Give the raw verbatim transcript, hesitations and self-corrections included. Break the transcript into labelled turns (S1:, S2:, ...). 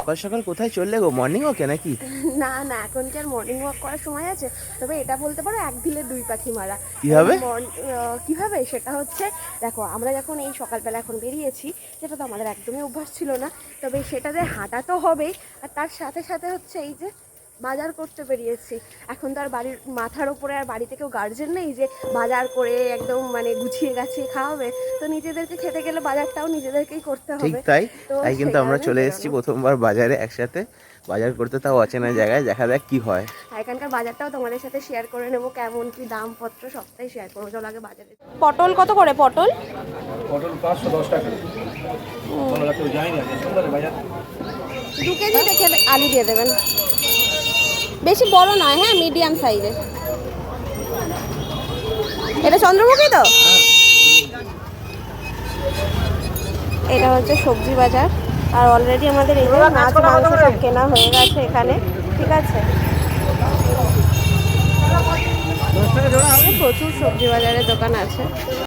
S1: সকাল সকাল কোথায় চললে গো? মর্নিং ওয়াকে নাকি?
S2: না না, এখন কি আর মর্নিং ওয়াক করার সময় আছে? তবে এটা বলতে পারো এক ঢিলে দুই পাখি মারা।
S1: কিভাবে?
S2: কিভাবে সেটা হচ্ছে, দেখো আমরা যখন এই সকালবেলা এখন বেরিয়েছি, যেটা তো আমাদের একদমই অভ্যাস ছিল না, তবে সেটাতে হাঁটা তো হবেই, আর তার সাথে সাথে হচ্ছে এই যে বাজার করতে বেরিয়েছি। এখন তো আর বাড়ির মাথার উপরে আর বাড়িতে কেউ গার্জেন নেই যে বাজার করে একদম মানে গুছিয়ে গাছিয়ে খাওয়াবে, তো নিজেদেরকে খেতে গেলে বাজারটাও নিজেদেরকেই করতে
S1: ঠিক
S2: হবে।
S1: তাই।
S2: তো
S1: তাই কিন্তু
S2: সেই
S1: আমরা
S2: কারণেই
S1: চলে এসেছি
S2: বেরোনো।
S1: প্রথমবার বাজারে একসাথে বাজার করতে, তাও অচেনা জায়গায়। দেখা যাক কি হয়।
S2: আর এখানকার বাজারটাও তোমাদের সাথে শেয়ার করে নেবো, কেমন কি দামপত্র সবটাই শেয়ার করবো। চলো আগে বাজারে। পটল কত করে পটল?
S3: পটল পাঁচশো দশ টাকা। পনেরো কেউ যায় না, সুন্দর বাজার।
S2: দু কেজি দেখে আলু দিয়ে দেবেন, বেশি বড় নয়, হ্যাঁ মিডিয়াম সাইজের। এটা চন্দ্রমুখী তো? এটা হচ্ছে সবজি বাজার, আর অলরেডি আমাদের এই যে মাছ মাংস সব কেনা হয়ে গেছে এখানে। ঠিক আছে, প্রচুর সবজি বাজারের দোকান আছে।